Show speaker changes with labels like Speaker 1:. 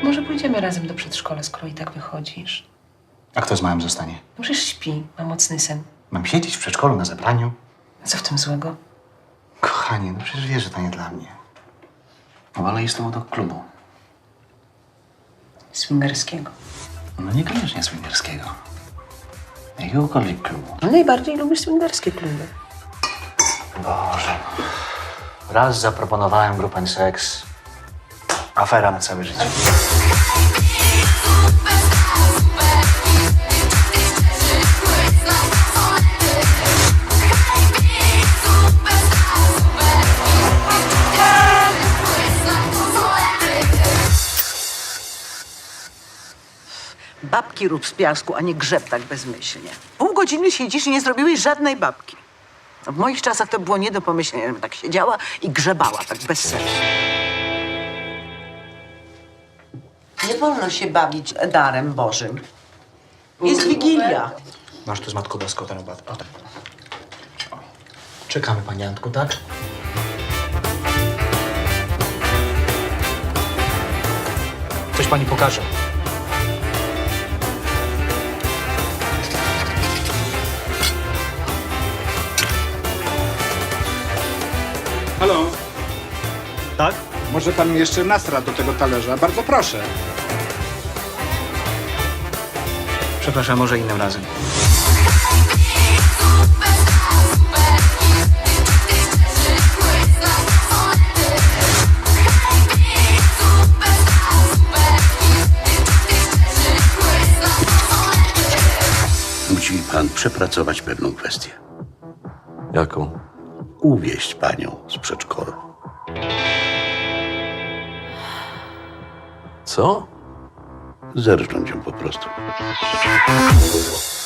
Speaker 1: Może pójdziemy razem do przedszkola, skoro i tak wychodzisz.
Speaker 2: A kto z małym zostanie?
Speaker 1: No przecież śpi, ma mocny sen.
Speaker 2: Mam siedzieć w przedszkolu na zebraniu?
Speaker 1: Co w tym złego?
Speaker 2: Kochanie, no przecież wiesz, że to nie dla mnie. Wolę iść z tobą do klubu.
Speaker 1: Swingerskiego.
Speaker 2: No niekoniecznie swingerskiego. Jakiegokolwiek klubu.
Speaker 1: No najbardziej lubisz swingerskie kluby.
Speaker 2: Boże. Raz zaproponowałem grupę seks. Afera na całe życie.
Speaker 3: Babki rób z piasku, a nie grzeb tak bezmyślnie. Pół godziny siedzisz i nie zrobiłeś żadnej babki. No, w moich czasach to było nie do pomyślenia, żebym tak siedziała i grzebała, tak bez sensu. Nie wolno się bawić darem Bożym. Jest Wigilia.
Speaker 2: Masz tu z Matką Boską ten obat. O. Czekamy, pani Antku, tak? Coś pani pokaże.
Speaker 4: Halo,
Speaker 2: Tak?
Speaker 4: może pan mi jeszcze nasra do tego talerza? Bardzo proszę.
Speaker 2: Przepraszam, może innym razem.
Speaker 5: Musi pan przepracować pewną kwestię.
Speaker 6: Jaką?
Speaker 5: Uwieźć panią z przedszkola.
Speaker 6: Co?
Speaker 5: Zerżnąć ją po prostu.